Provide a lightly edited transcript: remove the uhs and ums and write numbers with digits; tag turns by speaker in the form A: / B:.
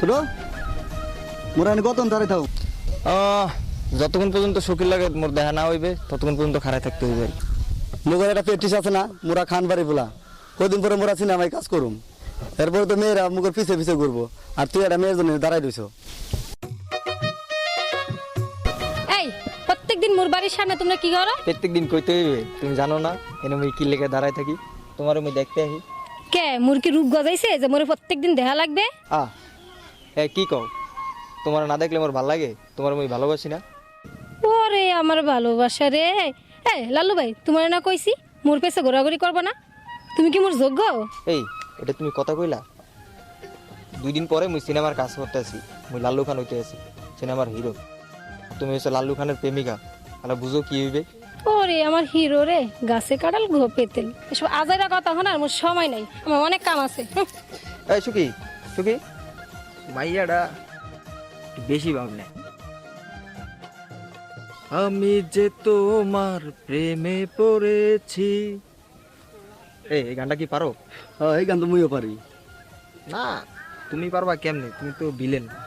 A: ছোট মোরা এনে কতক্ষণ দাঁড়াই থাও?
B: যতক্ষণ পর্যন্ত শৌখিন লাগে মোর দেখা না হইবে ততক্ষণ পর্যন্ত খাড়ায় থাকতে হইবে।
A: মোগের একটা প্র্যাকটিস আছে না, মোরা খান বাড়ি বলা, কদিন পরে মোরা সিনেমায় কাজ করুম, এরপরে তো মেয়েরা মুখের পিছে পিছে ঘুরবো, আর তুই একটা মেয়ের জন্য দাঁড়াই রইছ।
C: এই প্রত্যেকদিন মোর বাড়ির সামনে তোমরা কি করো?
B: প্রত্যেকদিন কইতে হইবে, তুমি জানো না এনে আমি কি লেগে দাঁড়ায় থাকি, তোমার আমি দেখতে আসি।
C: কে মোর কি রূপ গজাইছে যে মোরে প্রত্যেকদিন দেখা লাগবে?
B: কি কও, তোমার না দেখলে আমার ভাল লাগে? তোমার আমি ভালোবাসি না?
C: ওরে আমার ভালোবাসা রে। এই লালু ভাই তোমার না কইছি মোর পেছে ঘোরাঘুরি করবো না, তুমি কি মোর যোগ্য?
B: এই এটা তুমি কথা কইলা? 2 দিন পরে মুই সিনেমার কাজ করতে আছি, মুই লাল্লু খান হইতে আছি, সিনেমার হিরো। তুমি হচ্ছে লাল্লু খানের প্রেমিকা, তাহলে বুঝো কি হইবে।
C: ওরে আমার হিরো রে, গাছে কাটাল ঘোপে তেল, এসব আজাইরা কথা শোনার মোর সময় নাই, আমার অনেক কাম আছে।
B: এই সুখী সুখী, মাইয়াটা একটু বেশি ভাবলে। আমি যে তোমার প্রেমে পড়েছি। এই গানটা কি পারো?
A: এই গান তো মুইও পারি।
B: না তুমি পারবা কেমনে, তুমি তো ভিলেন।